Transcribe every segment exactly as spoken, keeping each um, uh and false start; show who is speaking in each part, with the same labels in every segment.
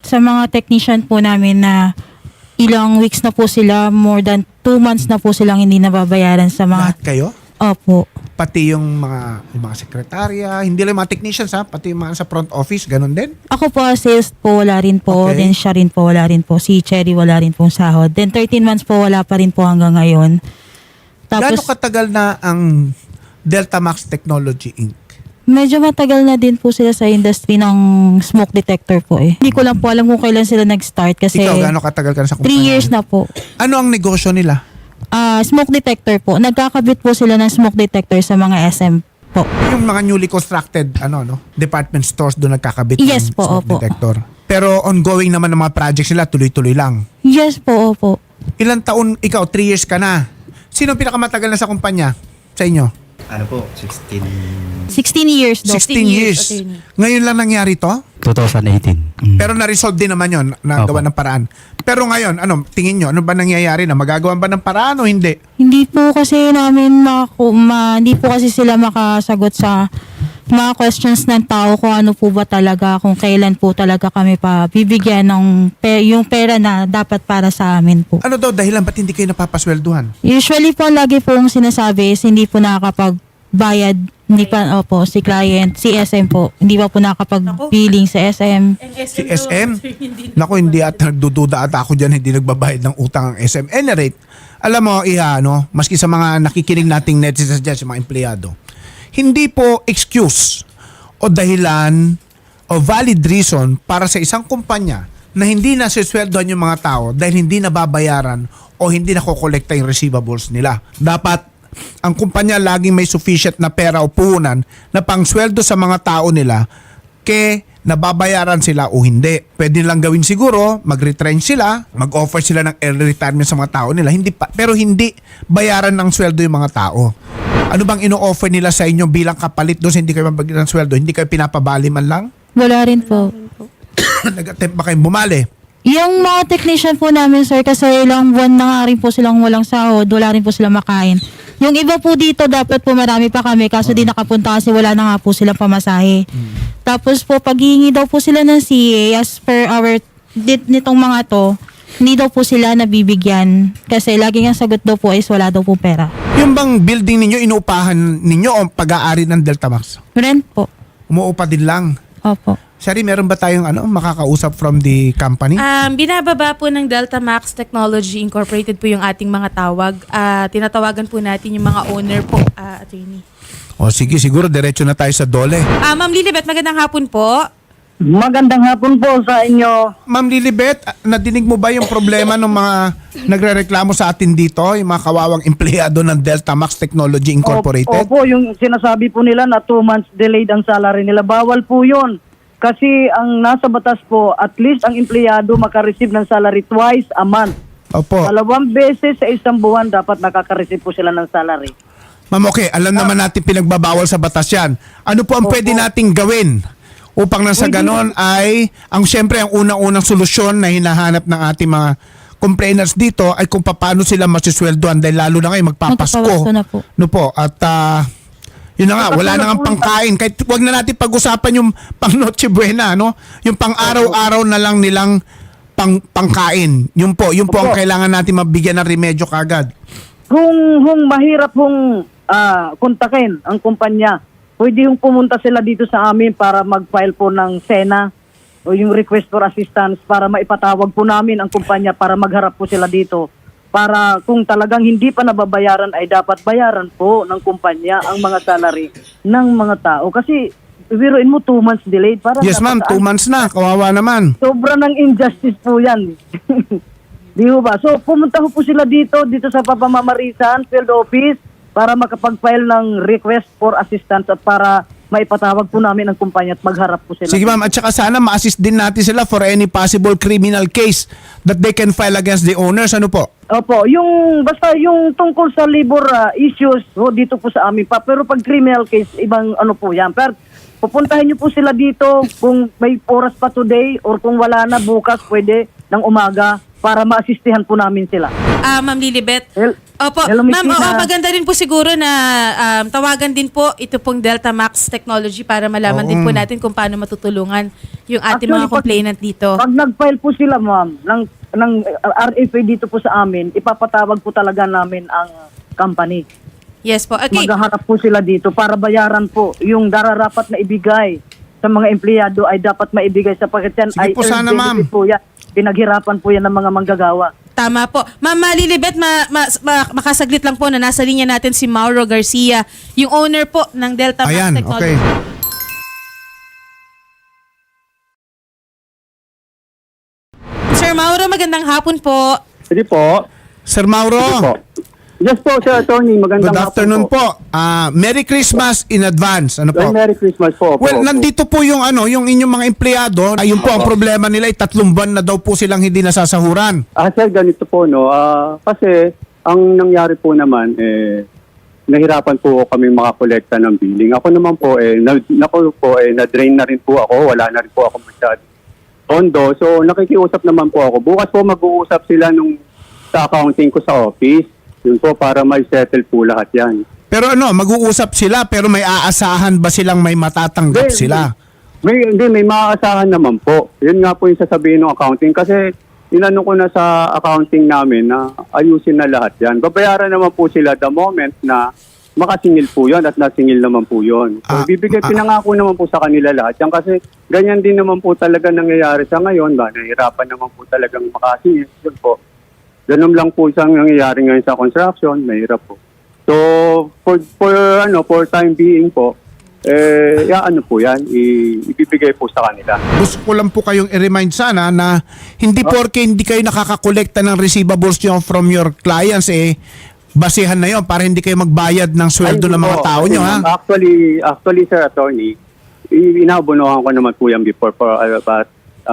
Speaker 1: sa mga technician po namin na ilang weeks na po sila, more than two months na po silang hindi nababayaran sa mga...
Speaker 2: Lahat kayo?
Speaker 1: Opo.
Speaker 2: Pati yung mga, yung mga sekretarya, hindi lang yung mga technicians ha, pati yung mga sa front office, ganun din?
Speaker 1: Ako po, sales po, wala rin po.
Speaker 2: Okay.
Speaker 1: Then siya rin po, wala rin po. Si Cherry, wala rin pong sahod. Then thirteen months po, wala pa rin po hanggang ngayon.
Speaker 2: Gaano
Speaker 1: Tapos,
Speaker 2: katagal na ang Delta Max Technology Incorporated?
Speaker 1: medyo matagal na din po sila sa industry ng smoke detector po eh. Hindi ko lang po alam kung kailan sila nag-start kasi
Speaker 2: Ikaw, gaano katagal ka na sa kumpanya?
Speaker 1: three years na po.
Speaker 2: Ano ang negosyo nila?
Speaker 1: Ah, smoke detector po. Nagkakabit po sila ng smoke detector sa mga S M po.
Speaker 2: Yung mga newly constructed ano no department stores doon nagkakabit
Speaker 1: Yes
Speaker 2: ng
Speaker 1: po,
Speaker 2: smoke
Speaker 1: opo.
Speaker 2: detector. Pero ongoing naman ng mga projects nila, tuloy-tuloy lang.
Speaker 1: Yes po, opo.
Speaker 2: Ilang taon, ikaw, three years ka na. Sino ang pinakamatagal na sa kumpanya sa inyo?
Speaker 3: Ano po, sixteen...
Speaker 1: sixteen years daw.
Speaker 2: sixteen years.
Speaker 1: attorney.
Speaker 2: Ngayon lang nangyari to?
Speaker 3: twenty eighteen. Mm.
Speaker 2: Pero na-resolve din naman yon, nagawa
Speaker 3: Opo.
Speaker 2: ng paraan. Pero ngayon, ano, tingin nyo, ano ba nangyayari na? Magagawan ba ng paraan o hindi?
Speaker 1: Hindi po kasi namin makaku- ma, hindi po kasi sila makasagot sa mga questions ng tao kung ano po ba talaga, kung kailan po talaga kami pa bibigyan ng pe- yung pera na dapat para sa amin po.
Speaker 2: Ano daw, dahilan ba't hindi kayo napapaswelduhan?
Speaker 1: Usually po, lagi pong sinasabi is hindi po nakakapagbayad, hindi pa, opo, si client, si S M po, hindi pa po nakakapag-billing sa S M.
Speaker 2: Si S M? Naku, hindi at nagdududa at ako dyan, hindi nagbabayad ng utang ang S M. Any rate, alam mo, Iha, no, maski sa mga nakikinig nating netizens dyan, sa mga empleyado, hindi po excuse o dahilan o valid reason para sa isang kumpanya na hindi nasisweldohan yung mga tao dahil hindi nababayaran o hindi nakokolekta yung receivables nila. Dapat ang kumpanya laging may sufficient na pera o puhunan na pangsweldo sa mga tao nila ke nababayaran sila o hindi. Pwede nilang gawin siguro, mag-retrench sila, mag-offer sila ng early retirement sa mga tao nila, hindi pa, pero hindi bayaran ng sweldo yung mga tao. Ano bang ino-offer nila sa inyo bilang kapalit doon sa hindi kayo mabagyan ng sweldo? Hindi kayo pinapabali man lang?
Speaker 1: Wala rin po.
Speaker 2: Nag-attempt ba kayong bumali?
Speaker 1: Yung mga technician po namin, sir, kasi ilang buwan na nga rin po silang walang sahod, wala rin po silang makain. Yung iba po dito, dapat po marami pa kami, kaso di nakapunta kasi wala na nga po silang pamasahe. Tapos po, paghihingi daw po sila ng C A, as per our, dit, nitong mga to, hindi daw po sila nabibigyan. Kasi lagi ang sagot daw po is wala daw po pera.
Speaker 2: Yung bang building ninyo, inuupahan ninyo o pag-aari ng Delta Max?
Speaker 1: Rent po.
Speaker 2: Umuupa din lang.
Speaker 1: Opo.
Speaker 2: Shari, meron ba tayong ano, makakausap from the company?
Speaker 4: Um, binababa po ng Delta Max Technology Incorporated po yung ating mga tawag. Ah, tinatawagan po natin yung mga owner po, ah, attorney.
Speaker 2: O sige, siguro diretso na tayo sa dole.
Speaker 4: Ah, Ma'am Lilibet, magandang hapon po.
Speaker 5: Magandang hapon po sa inyo.
Speaker 2: Ma'am Lilibet, nadinig mo ba yung problema ng mga nagrereklamo sa atin dito, yung mga kawawang empleyado ng Delta Max Technology Incorporated?
Speaker 5: Opo, yung sinasabi po nila na two months delayed ang salary nila. Bawal po yun. Kasi ang nasa batas po, at least ang empleyado makareceive ng salary twice a month.
Speaker 2: Opo.
Speaker 5: Dalawang beses sa isang buwan dapat nakaka-receive po sila ng salary.
Speaker 2: Ma'am, okay, alam naman natin pinagbabawal sa batas yan. Ano po ang
Speaker 5: Opo.
Speaker 2: pwede nating gawin upang nang sa
Speaker 5: Pwede-
Speaker 2: ganon ay, ang siyempre ang unang-unang solusyon na hinahanap ng ating mga complainers dito ay kung paano sila masisweldoan dahil lalo na ngayon magpapasko.
Speaker 1: Magpapasko na po.
Speaker 2: No po, at ah, yun na nga, wala na nga pangkain. Kahit wag na natin pag-usapan yung pang Noche Buena, no? Yung pang araw-araw na lang nilang pang pangkain. Yun po, yun po ang
Speaker 5: Opo.
Speaker 2: kailangan natin mabigyan ng remedyo kagad.
Speaker 5: Kung, kung mahirap hong ah, kontakin ang kumpanya, pwede yung pumunta sila dito sa amin para mag-file po ng SENA o yung request for assistance para maipatawag po namin ang kumpanya para magharap po sila dito. Para kung talagang hindi pa nababayaran ay dapat bayaran po ng kumpanya ang mga salary ng mga tao. Kasi biruin mo two months delayed. Para
Speaker 2: Yes ma'am, two months na. Kawawa naman.
Speaker 5: Sobra ng injustice po yan. Di ho ba? So pumunta ho po sila dito, dito sa Papamamarisan Field Office para makapag-file ng request for assistance at para maipatawag po namin ang kumpanya at magharap po sila.
Speaker 2: Sige ma'am, at saka sana ma-assist din natin sila for any possible criminal case that they can file against the owners. Ano po?
Speaker 5: Opo, yung basta yung tungkol sa labor ah, issues, ho, dito po sa amin pa. Pero pag criminal case, ibang ano po yan. Pero pupuntahin niyo po sila dito kung may oras pa today or kung wala na bukas, pwede ng umaga. para maasistihan po namin sila.
Speaker 4: Ah, Ma'am Lilibet.
Speaker 5: Hel-
Speaker 4: Opo,
Speaker 5: Hello, Miss
Speaker 4: ma'am,
Speaker 5: Tina.
Speaker 4: oo, maganda rin po siguro na um, tawagan din po ito pong Delta Max Technology para malaman din po natin kung paano matutulungan yung ating
Speaker 5: Actually,
Speaker 4: mga
Speaker 5: pag-
Speaker 4: complainant dito.
Speaker 5: Pag nag-file po sila, ma'am, ng, ng uh, R F A dito po sa amin, ipapatawag po talaga namin ang company.
Speaker 4: Yes po. Okay.
Speaker 5: Maghaharap po sila dito para bayaran po yung dararapat na ibigay sa mga empleyado ay dapat maibigay sapagkat yan
Speaker 2: Sige
Speaker 5: ay
Speaker 2: po,
Speaker 5: earned
Speaker 2: sana, ma'am.
Speaker 5: benefit po yan. Pinaghirapan po yan ng mga manggagawa.
Speaker 4: Tama po. Ma'am Lilibet, ma, ma, ma- makasaglit lang po na nasa linya natin si Mauro Garcia, yung owner po ng Delta Max
Speaker 2: Ayan,
Speaker 4: Technology.
Speaker 2: okay.
Speaker 4: Sir Mauro, magandang hapon po.
Speaker 6: Sige po.
Speaker 2: Sir Mauro,
Speaker 6: Sige po. Yes po, Sir Attorney. Magandang
Speaker 2: good afternoon
Speaker 6: hapon
Speaker 2: po. Ah, Merry Christmas in advance. Ano po?
Speaker 6: Well, Merry Christmas po.
Speaker 2: Well,
Speaker 6: po.
Speaker 2: nandito po yung ano, yung inyong mga empleyado. Ayun po ang problema nila, ay tatlong buwan na daw po silang hindi nasasahuran.
Speaker 6: Ah, sir, ganito po, no. Ah, kasi, ang nangyari po naman, eh, nahirapan po kami makakolekta ng billing. Ako naman po, eh, na, naku po, eh, na-drain na rin po ako. Wala na rin po ako masyado pondo. So, nakikiusap naman po ako. Bukas po mag-uusap sila nung sa accounting ko sa office. Yun po, para may settle po lahat yan.
Speaker 2: Pero ano, mag-uusap sila pero may aasahan ba silang may matatanggap
Speaker 6: Hindi,
Speaker 2: sila?
Speaker 6: May, hindi, may maaasahan naman po. Yun nga po yung sasabihin ng accounting. Kasi inano ko na sa accounting namin na ayusin na lahat yan. Babayaran naman po sila the moment na makasingil po yun at nasingil naman po yun. So,
Speaker 2: Ah,
Speaker 6: bibigay,
Speaker 2: ah.
Speaker 6: pinangako naman po sa kanila lahat yan. Kasi ganyan din naman po talaga nangyayari sa ngayon. Ba? Nahihirapan naman po talagang makasingil. Yun po. Ganun lang po isang nangyayari ngayon sa construction. Mahirap po. So, for, for, ano, for time being po, eh, ya, ano po yan, i- ibibigay po sa kanila.
Speaker 2: Gusto ko lang po kayong i-remind sana na hindi porke hindi kayo nakakakolekta ng receivables nyo from your clients, eh, basehan na yon para hindi kayo magbayad ng sweldo
Speaker 6: Ay,
Speaker 2: ng mga
Speaker 6: po.
Speaker 2: tao
Speaker 6: Kasi,
Speaker 2: nyo, ha?
Speaker 6: ma'am, Actually, actually, sir, attorney, i- inabunuhan ko naman po yan before, for, uh, but,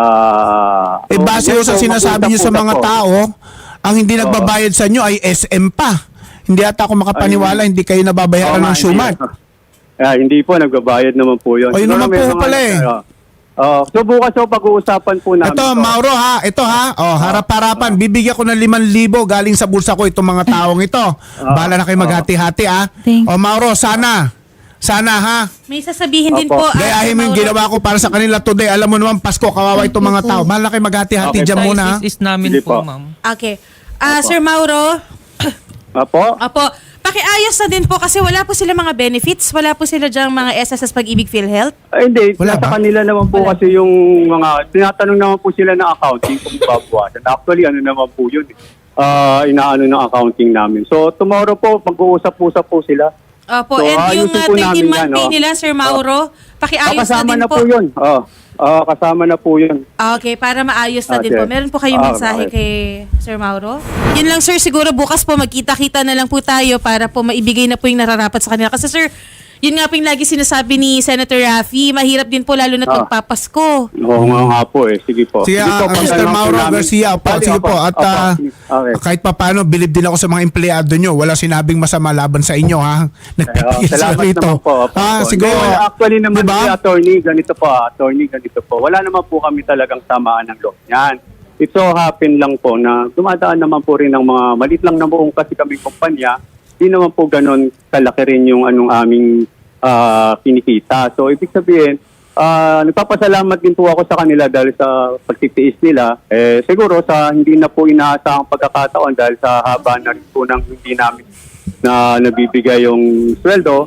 Speaker 6: uh,
Speaker 2: Eh, base
Speaker 6: yes,
Speaker 2: ho sa
Speaker 6: so,
Speaker 2: sinasabi nyo sa
Speaker 6: mag-usap
Speaker 2: mga
Speaker 6: po.
Speaker 2: tao, ang hindi nagbabayad sa nyo ay S M pa. Hindi ata ako makapaniwala, hindi kayo nababayaran
Speaker 6: Oo
Speaker 2: ng
Speaker 6: nga,
Speaker 2: Shumat.
Speaker 6: hindi. Ah, hindi po, nagbabayad naman po yun.
Speaker 2: O, yun
Speaker 6: Siguro
Speaker 2: naman
Speaker 6: may
Speaker 2: po
Speaker 6: mga-
Speaker 2: pala eh.
Speaker 6: ah, ah, so bukas po pag-uusapan po namin.
Speaker 2: Ito,
Speaker 6: to.
Speaker 2: Mauro ha, ito ha, oh, harap-harapan, bibigyan ko ng limang libo galing sa bulsa ko itong mga taong ito. Bahala na kayo maghati-hati ha.
Speaker 1: Thank-
Speaker 2: O Mauro, sana, sana ha.
Speaker 4: May sasabihin din
Speaker 6: Opo.
Speaker 4: po. ah,
Speaker 2: Gayahin mo yung
Speaker 4: Mauro.
Speaker 2: ginawa ko para sa kanila today. Alam mo naman, Pasko, kawawa itong mga tao. Bahala na kayo maghati-hati
Speaker 6: Okay,
Speaker 2: dyan muna ha.
Speaker 3: Is, is namin
Speaker 6: Sige
Speaker 3: po,
Speaker 6: po.
Speaker 3: ma'am.
Speaker 4: Okay. Ah, Sir Mauro,
Speaker 6: Apo?
Speaker 4: Opo. Pakiayos na din po kasi wala po sila mga benefits. Wala po sila dyang mga S S S Pag-ibig PhilHealth.
Speaker 6: Ay, hindi.
Speaker 2: Wala
Speaker 6: Nasa
Speaker 2: ba?
Speaker 6: kanila naman po kasi yung mga, tinatanong naman po sila ng accounting kung babawasan. Actually, ano naman po yun. Ah, inaano ng accounting namin. So, tomorrow po, mag-uusap-usap po sila.
Speaker 4: Opo.
Speaker 6: So,
Speaker 4: And yung
Speaker 6: ayusin
Speaker 4: uh,
Speaker 6: po namin
Speaker 4: thirteen month
Speaker 6: yan,
Speaker 4: pay
Speaker 6: oh.
Speaker 4: nila, Sir Mauro, pakiayos na
Speaker 6: kasama
Speaker 4: din
Speaker 6: na
Speaker 4: po.
Speaker 6: po yun. Oh, ah, kasama na po yun.
Speaker 4: Ah, Okay, para maayos na
Speaker 6: Ah,
Speaker 4: din po.
Speaker 6: sir.
Speaker 4: Meron po kayong
Speaker 6: Ah,
Speaker 4: mensahe
Speaker 6: okay.
Speaker 4: kay Sir Mauro? Yun lang, sir. Siguro bukas po magkita-kita na lang po tayo para po maibigay na po yung nararapat sa kanila. Kasi sir, yun nga po yung lagi sinasabi ni Senator Raffy, mahirap din po lalo na
Speaker 6: Ah.
Speaker 4: magpapasko.
Speaker 6: Oo nga nga po eh. Sige po.
Speaker 2: Sige,
Speaker 6: po,
Speaker 2: ah,
Speaker 6: pag
Speaker 2: mister
Speaker 6: ano po
Speaker 2: Mauro
Speaker 6: namin-
Speaker 2: Garcia, opo,
Speaker 6: Bali,
Speaker 2: sige
Speaker 6: opo,
Speaker 2: po. At
Speaker 6: opo,
Speaker 2: ah,
Speaker 6: okay.
Speaker 2: kahit papano, bilib din ako sa mga empleyado nyo. Wala sinabing masama laban sa inyo, ha? Nagpipigil sila
Speaker 6: Salamat
Speaker 2: rito.
Speaker 6: naman po. Opo,
Speaker 2: Ah,
Speaker 6: opo.
Speaker 2: siguro.
Speaker 6: Hindi, wala, actually naman,
Speaker 2: Diba?
Speaker 6: si attorney, ganito po, ah, attorney, ganito po. Wala naman po kami talagang samaan ng loob niyan. It so happen lang po na dumadaan naman po rin ng mga malit lang na buong kasi kaming kumpanya. Di naman po ganun kalaki rin yung anong aming ah, kinikita. So, ibig sabihin, ah, nagpapasalamat din po ako sa kanila dahil sa pagtitiis nila. Eh, siguro sa hindi na po inaasahang pagkakataon dahil sa haba na rin po ng hindi namin na nabibigay yung sweldo,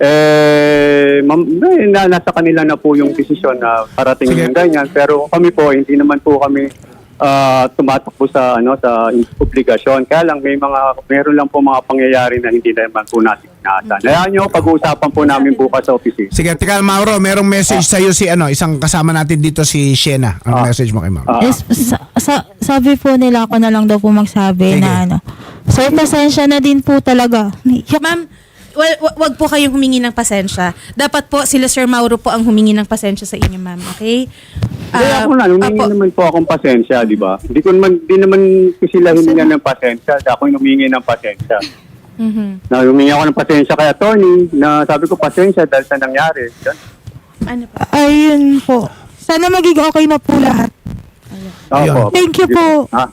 Speaker 6: eh, mam, eh, na, nasa kanila na po yung desisyon na parating
Speaker 2: Sige.
Speaker 6: yung ganyan. Pero kami po, hindi naman po kami ah, tumatakbo sa ano sa obligasyon. Kaya lang may mga meron lang po mga pangyayari na hindi naman po natin inaasahan. Hayaan nyo, pag-uusapan po namin bukas sa office.
Speaker 2: Sige, tika, Mauro, merong message sa'yo si ano, isang kasama natin dito si Shena. Ano
Speaker 6: Ah.
Speaker 2: message mo kay Mauro?
Speaker 6: Ah.
Speaker 1: Yes, sa, sa- sabi po nila ako na lang daw po magsabi
Speaker 2: Sige.
Speaker 1: na ano. Sir, pasensya na din po talaga. Naiyak.
Speaker 4: Ma'am, wa- wa- wag po kayong humingi ng pasensya. Dapat po sila Sir Mauro po ang humingi ng pasensya sa inyo, ma'am. Okay?
Speaker 6: Hindi
Speaker 4: Ah,
Speaker 6: ako na, humingi
Speaker 4: opo.
Speaker 6: naman po akong pasensya, di ba? Hindi ko naman, di naman ko sila humingi ng pasensya. Ako yung humingi ng pasensya.
Speaker 4: Mhm.
Speaker 6: Na humingi ako ng pasensya kay attorney na sabi ko pasensya dahil sa nangyari. Yan.
Speaker 4: Ano po?
Speaker 1: Ayun po. Sana maging okay na po lahat.
Speaker 6: Opo,
Speaker 2: Ayun.
Speaker 6: opo.
Speaker 1: Thank you
Speaker 6: Sige
Speaker 1: po.
Speaker 6: Ha?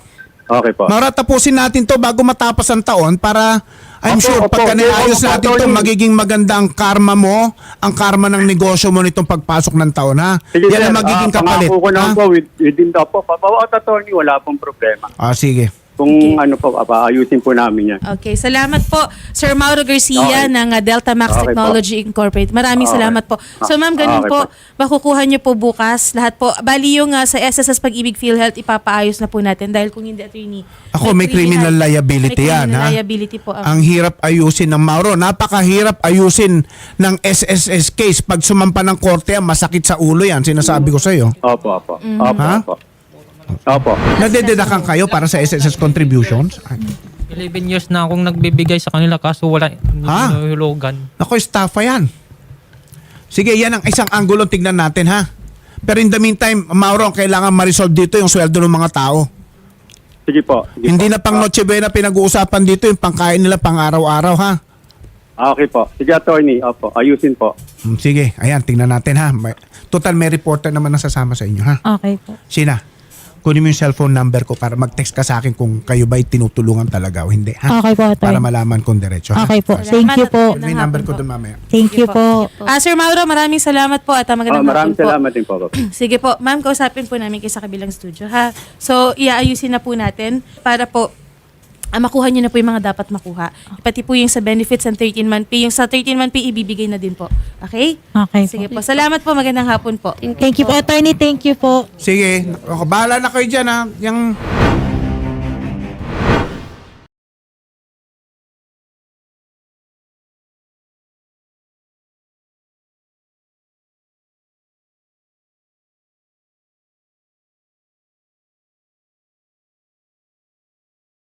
Speaker 6: Okay po.
Speaker 2: Maura, tapusin natin to bago matapos ang taon para I'm
Speaker 6: Opo,
Speaker 2: sure
Speaker 6: opo.
Speaker 2: pagka naayos
Speaker 6: Opo,
Speaker 2: natin
Speaker 6: opo,
Speaker 2: to,
Speaker 6: Tony.
Speaker 2: magiging maganda ang karma mo, ang karma ng negosyo mo nitong pagpasok ng taon, ha?
Speaker 6: Sige,
Speaker 2: Yan
Speaker 6: sir.
Speaker 2: ang magiging
Speaker 6: Ah,
Speaker 2: kapalit.
Speaker 6: Pangako ko
Speaker 2: ha?
Speaker 6: naman po, with- within the po. Bawat attorney, wala pong problema.
Speaker 2: Ah, sige.
Speaker 6: Kung ano po, apa, ayusin po namin yan.
Speaker 4: Okay, salamat po Sir Mauro Garcia
Speaker 6: Okay.
Speaker 4: ng uh, Delta Max
Speaker 6: Okay po.
Speaker 4: Technology Incorporated. Maraming
Speaker 6: Okay.
Speaker 4: salamat po. So ma'am, ganun
Speaker 6: Okay
Speaker 4: po,
Speaker 6: po.
Speaker 4: makukuha niyo po bukas lahat po. Bali yung uh, sa S S S Pag-ibig PhilHealth ipapaayos na po natin dahil kung hindi attorney.
Speaker 2: Ako, may criminal liability
Speaker 4: may
Speaker 2: yan,
Speaker 4: criminal
Speaker 2: ha?
Speaker 4: liability po. ang-
Speaker 2: Ang hirap ayusin ng Mauro. Napakahirap ayusin ng S S S case. Pag sumampa ng korte, yan, masakit sa ulo yan. Sinasabi ko sa iyo.
Speaker 6: Opo, opo.
Speaker 4: Mm-hmm.
Speaker 6: Opo,
Speaker 2: Ha?
Speaker 6: opo. Opo.
Speaker 2: Nadededakan kayo para sa S S S contributions? Ay,
Speaker 7: eleven years na akong nagbibigay sa kanila kaso wala
Speaker 2: Ha?
Speaker 7: nahulugan.
Speaker 2: Ako, estafa yan. Sige, yan ang isang angulo tignan natin, ha? Pero in the meantime, Mauro, ang kailangan ma-resolve dito yung sweldo ng mga tao.
Speaker 6: Sige po. Sige
Speaker 2: Hindi
Speaker 6: po.
Speaker 2: na pang Noche Buena pinag-uusapan dito, yung pangkain nila pang araw-araw, ha?
Speaker 6: Ah, okay po. Sige, attorney. Opo, ayusin po.
Speaker 2: Hmm, sige, ayan, tingnan natin, ha? May- Total, may reporter naman na sasama sa inyo, ha?
Speaker 1: Okay po.
Speaker 2: Sina, kunin mo yung cellphone number ko para mag-text ka sa akin kung kayo ba'y tinutulungan talaga o hindi, ha?
Speaker 1: Okay po, attorney.
Speaker 2: Para malaman kong diretso, ha?
Speaker 1: Okay po.
Speaker 2: Ah,
Speaker 1: Thank you po.
Speaker 2: may number ko doon mamaya.
Speaker 1: Thank you po.
Speaker 4: Ah, Sir Mauro, maraming salamat po at uh,
Speaker 6: Oh,
Speaker 4: magandang
Speaker 6: maraming
Speaker 4: hapon po.
Speaker 6: salamat din po. Opo.
Speaker 4: Sige po, ma'am, kausapin po namin kayo sa kabilang studio, ha? So, iaayusin na po natin para po ah, makuha nyo na po yung mga dapat makuha. Pati po yung sa benefits ng thirteen-month pay. Yung sa thirteen-month pay, ibibigay na din po. Okay?
Speaker 1: Okay po.
Speaker 4: Sige po. Salamat po. Magandang hapon po.
Speaker 1: Thank you po, attorney. Thank you po.
Speaker 2: Sige, ako, bahala na kayo dyan, ha? Yung